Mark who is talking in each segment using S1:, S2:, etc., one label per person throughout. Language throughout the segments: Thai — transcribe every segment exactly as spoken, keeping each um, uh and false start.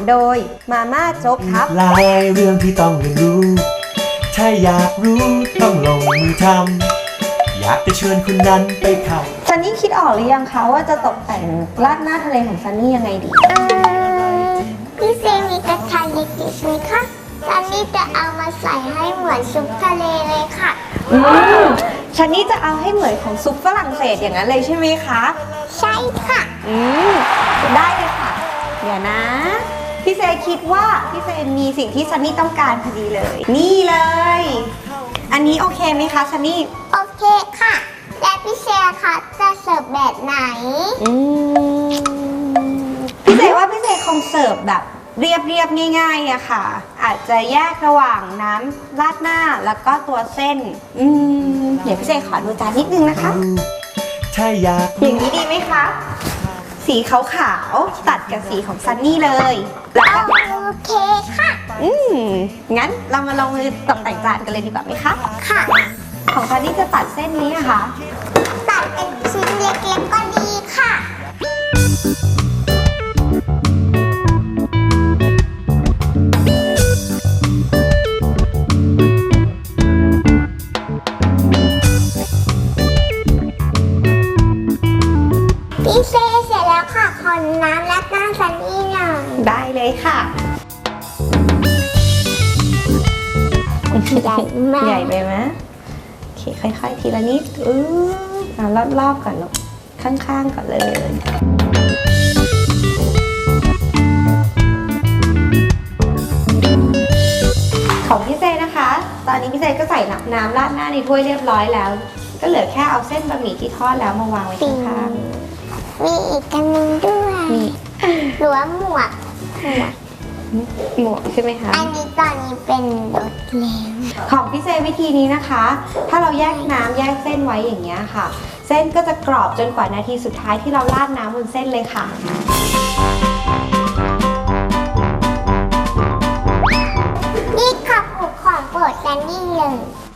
S1: โดยมาม่าโจ๊กครับ
S2: หลายเรื่องที่ต้องเรียนรู้ถ้าอยากรู้ต้องลงมือทำอยากจะเชิญคุณนั้นไปเข้า
S1: ซันนี่คิดออกหรือยังคะว่าจะตกแต่งราดหน้าทะเลของซันนี่ยังไงดี
S3: เออพี่เซมีกระทะเล็กๆไหมคะซันนี่จะเอามาใส่ให้เหมือนซุปทะเลเลยค่ะ
S1: อืมซันนี่จะเอาให้เหมือนของซุปฝรั่งเศสอย่างนั้นเลยใช่ไหมคะ
S3: ใช่ค่ะ
S1: อืมได้เลยค่ะเดี๋ยวนะพี่เซคิดว่าพี่เซมีสิ่งที่ซันนี่ต้องการพอดีเลยนี่เลยอันนี้โอเคไหมคะซันนี่
S3: โอเคค่ะและพี่เซค่ะจะเสิร์ฟแบบไหน
S1: อืมพี่เซว่าพี่เซคงเสิร์ฟแบบเรียบเรียบง่ายๆอะค่ะอาจจะแยกระหว่างน้ำราดหน้าแล้วก็ตัวเส้นอืมเดี๋ยวพี่เซขอดูจานนิดนึงนะคะ
S2: ถ้าอยาก
S1: อย่างนี้ดีไหมคะสีขาวๆตัดกับสีของซันนี่เลยแล้วก็
S3: โอเคค่ะ
S1: อืมงั้นเรามาลงมือตกแต่งจานกันเลยดีกว่าไหมคะ
S3: ค่ะ
S1: ของซันนี่จะตัดเส้นนี้อะค่ะ
S3: ตัดเป็นชิ้นเล็กๆก็ดีค่ะพี่เซเสร็จแล้วค่ะขอน้ำและหน้าซันนี่หน่อย
S1: ได้เลยค่ะ
S3: ใหญ่มาก
S1: ใหญ่ไปไหมโอเคค่อยๆทีละนิดอือเอารอบๆก่อนลูกข้างๆก่อนเลยของพี่เซนะคะตอนนี้พี่เซก็ใส่น้ำราดหน้าในถ้วยเรียบร้อยแล้วก็เหลือแค่เอาเส้นบะหมี่ที่ทอดแล้วมาวางไว้ข้าง
S3: ๆมีอีกอันนึงด้วยหรือว่าหมวกหมวก
S1: หมวกใช่ไหมคะ
S3: อันนี้ตอนนี้เป็นรสเล้ง
S1: ของพี่เซวิธีนี้นะคะถ้าเราแยกน้ำแยกเส้นไว้อย่างเงี้ยค่ะเส้นก็จะกรอบจนกว่านาทีสุดท้ายที่เราราดน้ำบนเส้นเลยค่ะ
S3: นี่ค่ะผูกของโปรดซันนี่เลย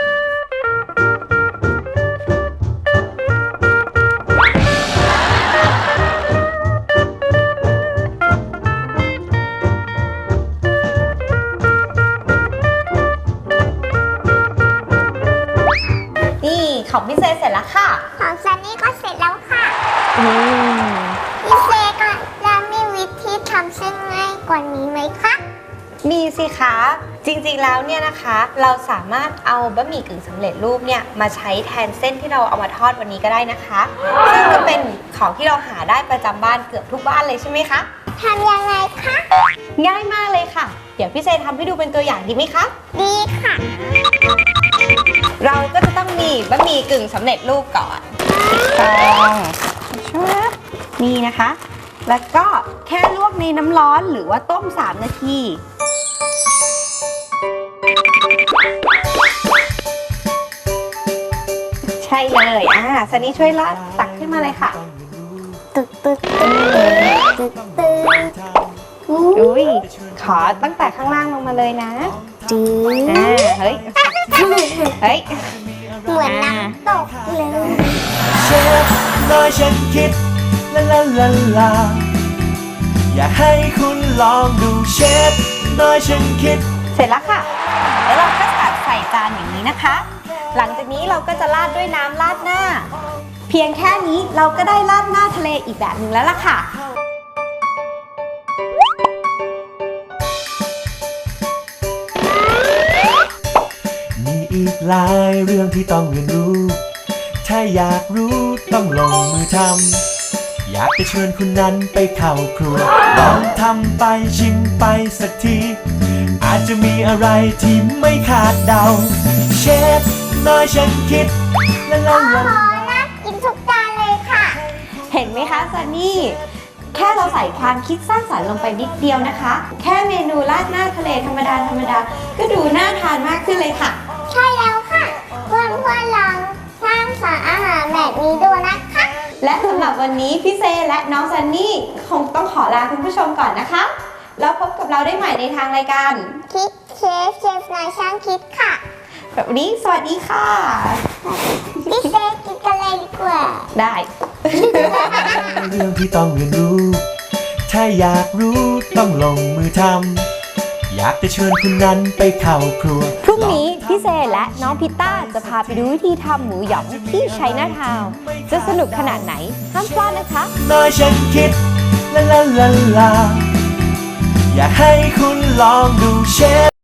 S1: ของพี่เซเสร็จแล้วค่ะ
S3: ของซันนี่ก็เสร็จแล้วค่ะพี่เซก็แล้วมีวิธีทำเส้นง่ายกว่านี้ไหมคะ
S1: มีสิคะจริงๆแล้วเนี่ยนะคะเราสามารถเอาบะหมี่กึ่งสำเร็จรูปเนี่ยมาใช้แทนเส้นที่เราเอามาทอดวันนี้ก็ได้นะคะซึ่งก็เป็นของที่เราหาได้ประจำบ้านเกือบทุกบ้านเลยใช่ไหมคะ
S3: ทำยังไงคะ
S1: ง่ายมากเลยค่ะเดี๋ยวพี่เซทำให้ดูเป็นตัวอย่างดีไหมคะ
S3: ดีค่ะ
S1: เราก็จะต้องมีบะหมี่กึ่งสำเร็จรูปก่อนต้องนี่นะคะแล้วก็แค่ลวกในน้ำร้อนหรือว่าต้มสามนาทีใช่เลยอ่าซันนี่ช่วยลาดตักขึ้นมาเลยค่ะ
S3: ตึกตึกตึกตึกตึก
S1: อุ้ยขอตั้งแต่ข้างล่างลงมาเลยนะ
S3: จี
S1: อ่าเฮ้ยเฮ้ย
S3: เหมือนน้ำตกเลย
S2: เชฟน้อยฉันคิดลาลาลาลาอยากให้คุณลองดูเชฟน้อยฉันคิด
S1: เสร็จแล้วค่ะแล้วเราก็ตักใส่จานอย่างนี้นะคะหลังจากนี้เราก็จะราดด้วยน้ำราดหน้าเพียงแค่นี้เราก็ได้ราดหน้าทะเลอีกแบบหนึ่งแล้วล่ะค่ะ
S2: มีอีกหลายเรื่องที่ต้องเรียนรู้ถ้าอยากรู้ต้องลงมือทำอยากจะเชิญคุณนั้นไปเข้าครัวลองทำไปชิมไปสักทีอาจจะมีอะไรที่ไม่คาดเดาเชฟน้อยฉันคิดละละละ
S3: น่ากินทุกจานเลยค่ะ
S1: เห็นไหมคะซันนี่แค่เราใส่ความคิดสร้างสรรค์ลงไปนิดเดียวนะคะแค่เมนูราดหน้าทะเลธรรมดาธรรมดาก็ดูน่าทานมากขึ้นเลยค่ะ
S3: ใช่แล้วค่ะเพื่อนเพื่อนลองสร้างสรรค์อาหารแบบนี้ดูนะคะ
S1: และสำหรับวันนี้พี่เซและน้องซันนี่คงต้องขอลาคุณผู้ชมก่อนนะคะแล้วพบกับเราได้ใหม่ในทางรายการ
S3: คิดเชฟเชฟนายช่างคิดค่ะ
S1: แบบนี้สวัสดีค่ะ
S3: พี่เซกินกันเลยดีกว่า
S1: ได้
S2: เรื่องที่ต้องเรียนรู้ถ้าอยากรู้ต้องลงมือทำอยากจะเชิญคุณนั้นไปเข้าครัว
S4: พรุ่งนี้พี่เซและน้องพิต้าจะพาไปดูวิธีทำหมูหยองที่ชัยนาทาวน์จะสนุกขนาดไหนห้ามพลาดนะคะ
S2: น้อยฉันคิดลาลาลาลาอยากให้คุณลองดูเชฟ